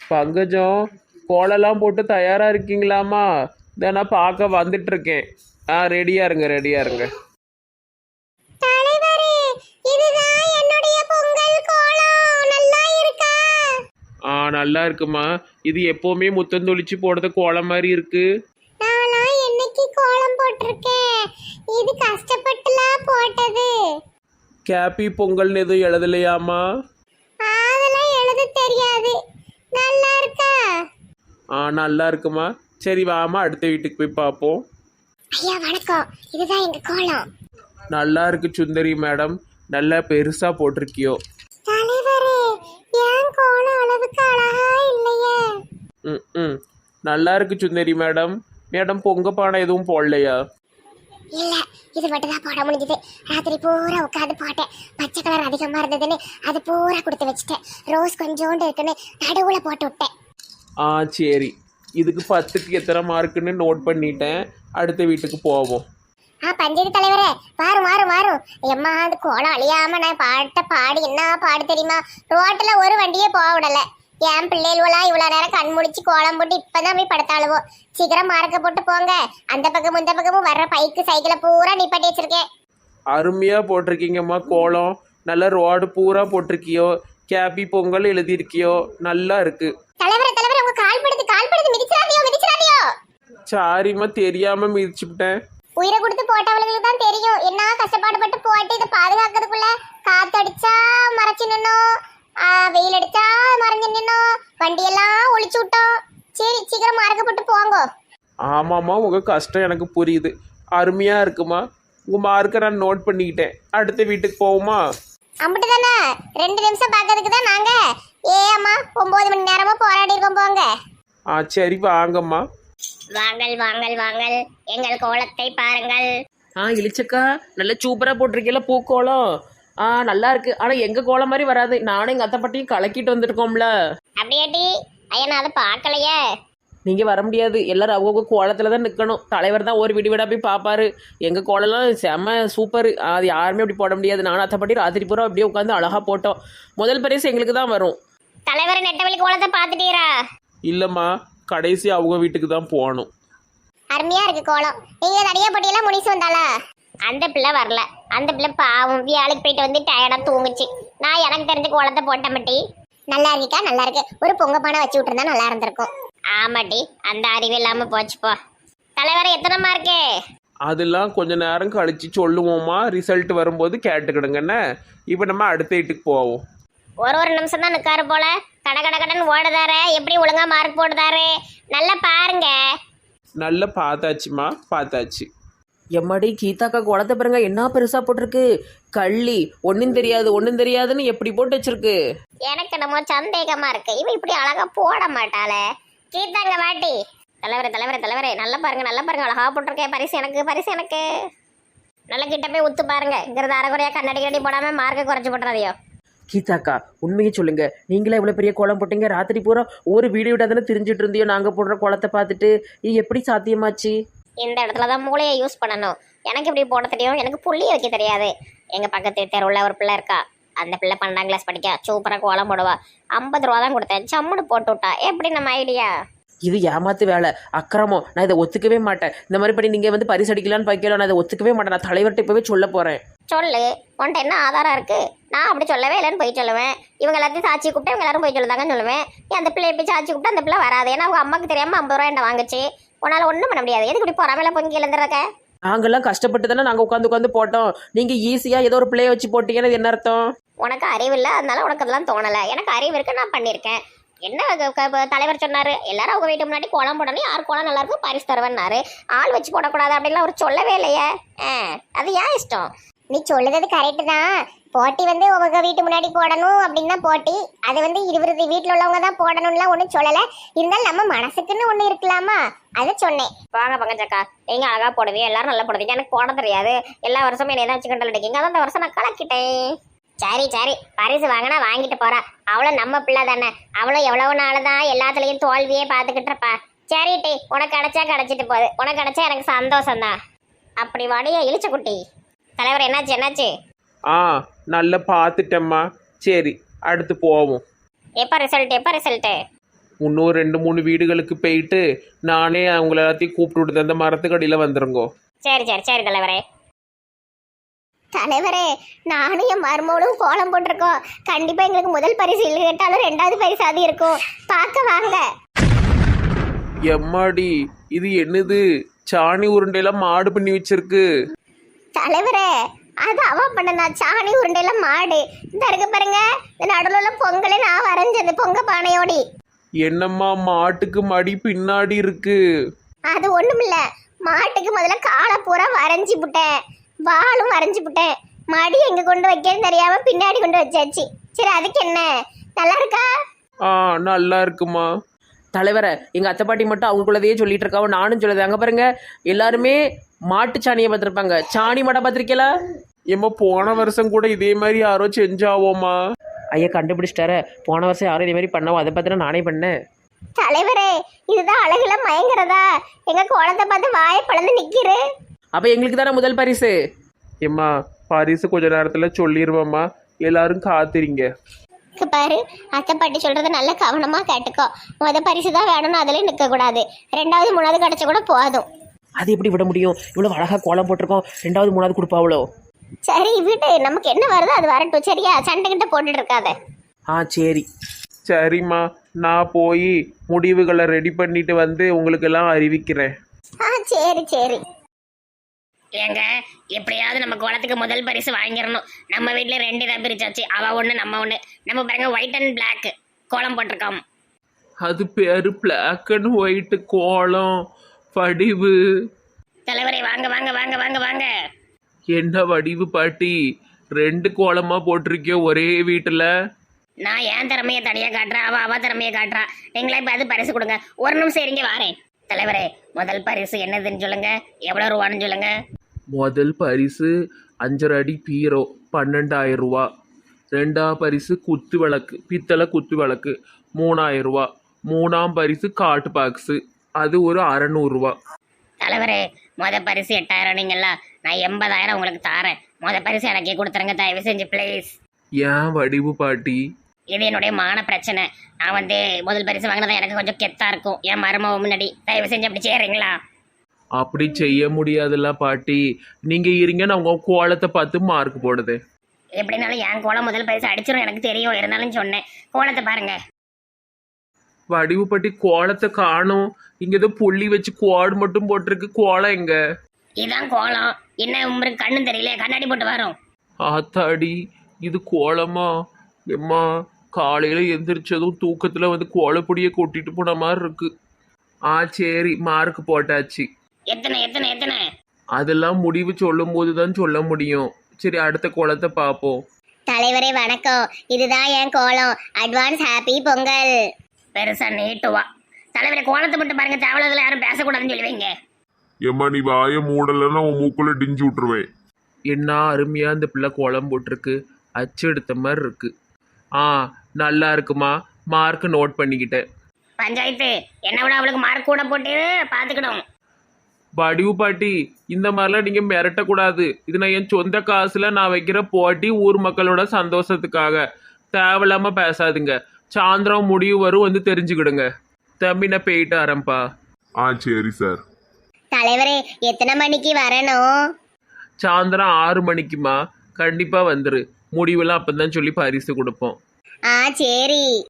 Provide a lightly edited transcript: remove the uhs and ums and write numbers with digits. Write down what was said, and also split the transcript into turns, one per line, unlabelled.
பங்கஜம், கோலம்லாம் போட்டு தயாராக இருக்கீங்களாம்மா? இதை நான் பார்க்க வந்துட்டு இருக்கேன். ரெடியாக இருங்க, ரெடியாக இருங்க.
தலைவரே, இதுதான் என்னுடைய பொங்கல் கோலம். நல்லா இருக்கா?
நல்லா இருக்குமா. இது எப்போவுமே முத்தந்தொளிச்சு போடுறது கோலம் மாதிரி இருக்கு.
நான்லாம் என்னைக்கு கோலம் போட்டிருக்கேன்? இது கஷ்டப்பட்டுலாம் போட்டது.
கேப்பி பொங்கல்னு எதுவும் எழுதலையாம்மா?
அதெல்லாம் எழுத தெரியாது. நல்லா இருக்கா?
நல்லா இருக்குமா. சரி வாமா, அடுத்த வீட்டுக்கு போய் பார்ப்போம்.
ஐயா வணக்கம், இதுதான் எங்க கோலம்.
நல்லா இருக்கு சுந்தரி மேடம், நல்லா பெருசா போட்டிருக்கியோ.
தலைவரே, ஏன் கோலம் அளவுக்கு அழகா இல்லையே?
ம் நல்லா இருக்கு சுந்தரி மேடம். மேடம் பொங்க பானை எதுவும் போடலையா?
இல்ல, இது மட்டும் தான் போட முடிஞ்சது. ராத்திரி பூரா உட்காந்து போட்டேன். பச்சை கலர் அதிகமா இருந்ததுன்னு அது பூரா கொடுத்து வச்சுட்டேன். ரோஸ் கொஞ்சோண்டு இருக்குன்னு நடுவுல போட்டு விட்டேன்.
சரி, இதுக்கு 10க்கு எத்தனை மார்க்குன்னு நோட் பண்ணிட்டேன். அடுத்த வீட்டுக்கு போவோம்.
பஞ்சாயத்து தலைவரே, மாறும் எம்மா, அந்த கோலம் அழியாம நான் பாட்ட பாடி என்ன பாடு தெரியுமா? ரோட்ல ஒரு வண்டியே போக விடல. என் பிள்ளைகளா இவ்வளவு நேரம் கண் முடிச்சு கோலம் போட்டு இப்பதான் போய் படுத்தாளுவோம். சீக்கிரம் மார்க்க போட்டு போங்க. அந்த பக்கமும் இந்த பக்கமும் வர்ற பைக்கு சைக்கிளை பூரா நிப்பாட்டி வச்சிருக்கேன்.
அருமையா போட்டிருக்கீங்கம்மா கோலம். நல்ல ரோடு பூரா போட்டிருக்கியோ. கேபி பொங்கல் எழுதியிருக்கியோ. நல்லா இருக்கு.
தலைவரே, உங்க கால் படுத்து மிதிச்சிடாதியோ.
சாரிம்மா, தெரியாம மிதிச்சுட்டேன்.
உயிரை கொடுத்து போட்டவங்களுக்கு தான் தெரியும் என்ன கஷ்டப்பாடுபட்டு போட்டு இதை பாதுகாக்கிறதுக்குள்ள. காத்தடிச்சா மறைச்சு நின்னோம், வெயில் அடிச்சா மறைஞ்சு நின்னோம், வண்டியெல்லாம் ஒளிச்சு விட்டோம். சரி, சீக்கிரம் மார்க்கப்பட்டு போங்க.
ஆமாம்மா, உங்க கஷ்டம் எனக்கு புரியுது. அருமையா இருக்குமா. உங்க மார்க்கை நான் நோட் பண்ணிக்கிட்டேன். அடுத்த வீட்டுக்கு போவோமா?
அம்பிட்டு தானே, 2 நிமிஷம் பார்க்கறதுக்கு தான் நாங்க. அம்மா, 9 மணி நேரமா போராடி இருக்கோம் போங்க.
சரி வாங்கம்மா.
வாங்கள் எங்கள் கோலத்தை பாருங்கள்.
இளிச்சக்கா, நல்ல சூப்பராக போட்டிருக்கீங்களா பூக்கோலம். நல்லா இருக்கு. ஆனால் எங்கள் கோலம் மாதிரி வராது. நானும் எங்கள் அத்தை பாட்டியும் கலக்கிட்டு வந்துருக்கோம்ல.
அப்படியாட்டி? ஐயா, நான் அதை பார்க்கலையே.
நீங்கள் வர முடியாது. எல்லாரும் அவங்க கோலத்தில் தான் நிற்கணும். தலைவர் தான் ஒரு வீடு வீடாக போய் பார்ப்பாரு. எங்கள் கோலம்லாம் செம்ம சூப்பர். அது யாருமே அப்படி போட முடியாது. நானும் அத்தை பாட்டி ராத்திரி பூரா அப்படியே உட்காந்து அழகாக போட்டோம். முதல் பரிசு எங்களுக்கு தான் வரும்.
தலைவர் நெட்டவெளி கோலத்தை பார்த்துட்டீரா?
இல்லைம்மா, கடைசி அவங்க வீட்டுக்கு தான் போகணும்.
அருமையா இருக்கு கோலம். நீங்க தனியா போட்டியெல்லாம் முடிச்சு வந்தாளா? அந்த பிள்ளை வரல. அந்த பிள்ளை பாவம் வேலைக்கு போயிட்டு வந்து டயர்டா தூங்குச்சு. நான் எனக்கு தெரிஞ்ச கோலத்தை போட்ட மாட்டி. நல்லா இருக்கா? நல்லா இருக்கு. ஒரு பொங்க பானை வச்சு விட்டுருந்தா நல்லா இருந்திருக்கும். ஆமாட்டி, அந்த அறிவு இல்லாம போச்சுப்போ. தலைவரை எத்தனை மார்க்கு?
அதெல்லாம் கொஞ்ச நேரம் கழிச்சு சொல்லுவோம்மா. ரிசல்ட் வரும்போது கேட்டுக்கிடுங்கண்ணே. இப்போ நம்ம அடுத்த வீட்டுக்கு போவோம்.
ஒரு நிமிஷம் தான் நிற்காரு போல. கடன் ஓடுதாரு. எப்படி ஒழுங்கா மார்க் போடுதாரு? நல்லா பாருங்க.
நல்லா பார்த்தாச்சுமா, பார்த்தாச்சு.
எம்மாடி கீதாக்கா கோலத்தை பாருங்க, என்ன பெருசாக போட்டிருக்கு. கள்ளி ஒன்றும் தெரியாதுன்னு எப்படி போட்டு வச்சிருக்கு.
எனக்கு என்னமோ சந்தேகமா இருக்கு. இவன் இப்படி அழகா போட மாட்டாளே. கீதாங்க வாட்டி. தலைவரே, நல்லா பாருங்க, அழகா போட்டிருக்கேன். பரிசு எனக்கு. நல்ல கிட்ட போய் உத்து பாருங்க. இங்கிறது அரைக்குறையா கண்ணாடி போடாம மார்க்கை குறைச்சு போட்டுறாதையோ.
கீதாக்கா, உண்மையை சொல்லுங்க. நீங்களே எவ்வளோ பெரிய கோலம் போட்டீங்க. ராத்திரி பூரா ஒரு வீடியோ விடாதானே தெரிஞ்சிட்டு இருந்தியோ. நாங்கள் போடுற கோலத்தை பார்த்துட்டு இது எப்படி சாத்தியமாச்சு?
இந்த இடத்துல தான் மூளையை யூஸ் பண்ணணும். எனக்கு இப்படி போட தெரியும். எனக்கு புள்ளி வைக்க தெரியாது. எங்கள் பக்கத்து தெருவில் ஒரு பிள்ளை இருக்கா. அந்த பிள்ளை 12ஆம் கிளாஸ் படிக்க சூப்பராக கோலம் போடுவா. 50 ரூபா தான் கொடுத்தேன். சம்முன்னு போட்டு விட்டா. எப்படி நம்ம ஐடியா?
இது ஏமாத்து வேலை, அக்கிரமம். நான் இதை ஒத்துக்கவே மாட்டேன். இந்த மாதிரி படி நீங்கள் வந்து பரிசு அடிக்கலான்னு வைக்கலாம். நான் இதை ஒத்துக்கவே மாட்டேன். நான் தலைவர்கிட்ட இப்போவே சொல்ல போகிறேன்.
சொல்லு, உன்ட்ட என்ன ஆதாரம் இருக்கு? நான் அப்படி சொல்லவே இல்லைன்னு போய் சொல்லுவேன். இவங்க எல்லாத்தையும் சாட்சி கூப்பிட்டு இவங்க எல்லாரும் போய் சொல்லுதாங்கன்னு சொல்லுவேன். அந்த பிள்ளை எப்படி சாட்சி கூப்பிட்டு அந்த பிள்ளை வராது. ஏன்னா அவங்க அம்மாவுக்கு தெரியாமல் 50 ரூபா என்ன வாங்குச்சு. உன்னால ஒன்றும் பண்ண முடியாது. எதுக்கு இப்படி பொறாமையில பொங்கி எழுந்துருக்க?
நாங்கெல்லாம் கஷ்டப்பட்டு தானே நாங்கள் உட்காந்து போட்டோம். நீங்கள் ஈஸியாக ஏதோ ஒரு பிள்ளைய வச்சு போட்டீங்கன்னு என்ன அர்த்தம்?
உனக்கு அறிவு இல்லை, அதனால உனக்கு அதெல்லாம் தோணலை. எனக்கு அறிவு இருக்கு, நான் பண்ணியிருக்கேன். என்ன தலைவர் சொன்னாரு? எல்லாரும் அவங்க வீட்டு முன்னாடி கோலம் போடணும். யார் கோலம் நல்லா இருக்கும் பரிசு தருவேன்னாரு. ஆள் வச்சு போடக்கூடாது அப்படின்லாம் அவர் சொல்லவே இல்லையே. அது ஏன் இஷ்டம்? நீ சொல்லுறது கரெக்டு தான். போட்டி வந்து உங்க வீட்டு முன்னாடி போடணும் அப்படின்னா போட்டி. அது வந்து 20 வீட்டில் உள்ளவங்க தான் போடணும்லாம் ஒன்றும் சொல்லலை. இருந்தாலும் நம்ம மனசுக்குன்னு ஒன்று இருக்கலாமா, அதை சொன்னேன். வாங்க பங்கஜக்கா, நீங்க அழகா போடுவீங்க, எல்லாரும் நல்லா போடுவீங்க. எனக்கு போட தெரியாது. எல்லா வருஷமும் என்ன தான் வச்சு கண்டல் அடிக்கீங்க. அதான் இந்த வருஷம் நான் கலக்கிட்டேன். சரி, பரிசு வாங்கினா வாங்கிட்டு போறா. அவளோ நம்ம பிள்ளை தானே. அவளும் எவ்வளவு நாள் தான் எல்லாத்துலயும் தோல்வியே பார்த்துக்கிட்டு இருப்பா. சரிட்டி, உனக்கு கிடைச்சா கிடைச்சிட்டு போகுது. உனக்கு கிடைச்சா எனக்கு சந்தோஷம் தான். அப்படி வாடியா இழிச்ச குட்டி. தலைவர் என்னாச்சு?
நல்லா பார்த்துட்டேம்மா. சரி, அடுத்து போவோம்.
எப்போ ரிசல்ட்டு?
இன்னும் 2 3 வீடுகளுக்கு போயிட்டு நானே அவங்கள எல்லாத்தையும் கூப்பிட்டு விடுது அந்த மரத்துக்கடியில் வந்துருங்கோ.
சரி சரி சரி தலைவரே. தலைவரே, நானும் என் மருமகளும் கோலம் போட்டிருக்கோம். கண்டிப்பா எங்களுக்கு முதல் பரிசு இல்லை கேட்டாலும் 2வது பரிசு அது இருக்கும். பார்க்க வாங்க.
எம்மாடி, இது என்னது? சாணி உருண்டையெல்லாம் மாடு பண்ணி வச்சிருக்கு.
தலைவரே, அது அவ பண்ணனா சாணி உருண்டையில மாடு. இந்த இருக்க பாருங்க, இந்த நடுவில் உள்ள பொங்கலை நான் வரைஞ்சது பொங்க பானையோடி.
என்னம்மா மாட்டுக்கு மடி பின்னாடி இருக்கு?
அது ஒண்ணுமில்ல, மாட்டுக்கு முதல்ல காலை பூரா வரைஞ்சி விட்டேன், வாலும் வரைஞ்சி விட்டேன். மடி எங்க கொண்டு வைக்கன்னு தெரியாம பின்னாடி கொண்டு வச்சாச்சு. சரி, அதுக்கு என்ன, நல்லா இருக்கா?
நல்லா இருக்குமா.
தலைவரை எங்கள் அத்தை பாட்டி மட்டும் அவங்களுக்குள்ளதையே சொல்லிட்டு இருக்காவோ, நானும் சொல்லுது. அங்கே பாருங்க, எல்லாருமே மாட்டு சாணியை பார்த்துருப்பாங்க, சாணி மாட்டை பார்த்துருக்கீங்களா?
ஏம்மா போன வருஷம் கூட இதே மாதிரி யாரோ செஞ்சாவோமா?
ஐயா கண்டுபிடிச்சிட்டார, போன வருஷம் யாரும் இதே மாதிரி பண்ணாவோ, அதை பார்த்து நானே பண்ணேன்.
தலைவரே, இதுதான் அழகுல மயங்குறதா? எங்க குழந்தை பார்த்து வாயை பழந்து நிக்கிறு.
அப்போ எங்களுக்கு தானே முதல் பரிசு.
ஏம்மா பரிசு கொஞ்ச நேரத்தில் சொல்லிடுவோம்மா, எல்லாரும் காத்திரிங்க.
பாரு, அத்தை பாட்டி சொல்றத நல்ல கவனமா கேட்டுக்கோ. முத பரிசு தான் வேணும்னு அதுல நிக்க கூடாது. 2வது 3வது கிடைச்ச கூட போதும்.
அது எப்படி விட முடியும்? இவ்வளோ அழகாக கோலம் போட்டிருக்கோம், 2வது 3வது கொடுப்பாவளோ?
சரி விடு, நமக்கு என்ன வருதோ அது வரட்டும். சரியா, சண்டை கிட்ட போட்டுட்டு இருக்காத.
சரி
சரிம்மா, நான் போய் முடிவுகளை ரெடி பண்ணிட்டு வந்து உங்களுக்கெல்லாம் அறிவிக்கிறேன்.
சரி சரி.
ஏங்க, எப்படியாவது நம்ம குளத்துக்கு முதல் பரிசு வாங்கிடணும். நம்ம வீட்டில் 2 தான் பிரிச்சாச்சு, அவ ஒன்று நம்ம ஒன்று. நம்ம பாருங்க ஒயிட் அண்ட் பிளாக் கோலம் போட்டிருக்கோம்.
அது பேரு பிளாக் அண்ட் ஒயிட் கோலம் வடிவு.
தலைவரை வாங்க வாங்க வாங்க வாங்க வாங்க.
என்ன வடிவு பாட்டி, 2 கோலமா போட்டிருக்கியோ ஒரே வீட்டுல?
நான் என் திறமையை தனியாக காட்டுறேன், அவ திறமையை காட்டுறா. நீங்களே இப்போ அது பரிசு கொடுங்க. ஒரு நிமிஷம் இருங்க, வாரேன். தலைவரே, முதல் பரிசு என்னதுன்னு சொல்லுங்க, எவ்வளோ ரூபான்னு சொல்லுங்க.
முதல் பரிசு 5.5 அடி பீரோ 12,000 ரூபா. 2ஆம் பரிசு குத்து விளக்கு, பித்தளை குத்து விளக்கு 3,000 ரூபா. 3ஆம் பரிசு காட்டு பாக்ஸு, அது ஒரு 600 ரூபா.
தலைவரே, பரிசு 8,000 நீங்களா, நான் 80,000 உங்களுக்கு தாரேன். பரிசு எனக்கே கொடுத்துருங்க தயவு செஞ்சு ப்ளீஸ்.
ஏன் வடிவு பாட்டி?
இது என்னுடைய மான பிரச்சனை. நான் முதல் பரிசு வாங்கினதான் எனக்கு கொஞ்சம் கெத்தா இருக்கும் என் மருமக முன்னாடி. தயவு செஞ்சு அப்படி செய்யறீங்களா?
அப்படி செய்ய முடியாதுல்ல பாட்டி, நீங்க இருங்க, நான் உங்க கோலத்தை பார்த்து மார்க் போடுது.
எப்படினாலும் என் கோலம் முதல் பரிசு அடிச்சிடும் எனக்கு தெரியும், இருந்தாலும் சொன்னேன். கோலத்தை பாருங்க.
வடிவு பாட்டி கோலத்தை காணும். இங்க ஏதோ புள்ளி வச்சு கோடு மட்டும் போட்டிருக்கு, கோலம் எங்க?
இதான் கோலம். என்ன உங்களுக்கு கண்ணு தெரியல, கண்ணாடி போட்டு வரும்.
ஆத்தாடி, இது கோலமா? எம்மா, காலையில எந்திரிச்சதும் தூக்கத்துல வந்து கோலப்பொடியை கொட்டிட்டு போன மாதிரி இருக்கு. சரி, மார்க் போட்டாச்சு.
எத்தனை எத்தனை எத்தனை?
அதெல்லாம் முடிவு சொல்லும் போதுதான் சொல்ல முடியும். சரி, அடுத்த கோலத்தை பார்ப்போம்.
தலைவரே வணக்கம், இதுதான் என் கோலம். Advance happy Pongal.
பெருசா நீட்டுவா. தலைவரை கோலத்தை மட்டும் பாருங்க, தேவலத்துல யாரும் பேசக்கூடாதுன்னு சொல்லுவீங்க.
ஏம்மா, நீ வாயை மூடலைன்னா உன் மூக்குள்ள டிஞ்சு விட்டுருவேன்.
என்ன அருமையா இந்த பிள்ளை கோலம் போட்டிருக்கு, அச்சு எடுத்த மாதிரி இருக்கு. நல்லா இருக்குமா, மார்க் நோட் பண்ணிக்கிட்டேன்.
பஞ்சாயத்து என்ன விட அவளுக்கு மார்க் கூட போட்டு பாத்துக்கணும்.
வடிவு பாட்டி, இந்த மாதிரிலாம் நீங்க மிரட்டக்கூடாது. இது நான் என் சொந்த காசுல நான் வைக்கிற போட்டி, ஊர் மக்களோட சந்தோஷத்துக்காக. தேவையில்லாம பேசாதுங்க. சாயந்தரம் முடிவு வரும், வந்து தெரிஞ்சுக்கிடுங்க. தம்பி, நான் போயிட்டு வரேன்ப்பா.
சரி சார்.
தலைவரே, எத்தனை மணிக்கு வரணும்?
சாயந்தரம் 6 மணிக்குமா, கண்டிப்பா வந்துரு. முடிவெல்லாம் அப்பதான் சொல்லி பரிசு கொடுப்போம்.
சரி.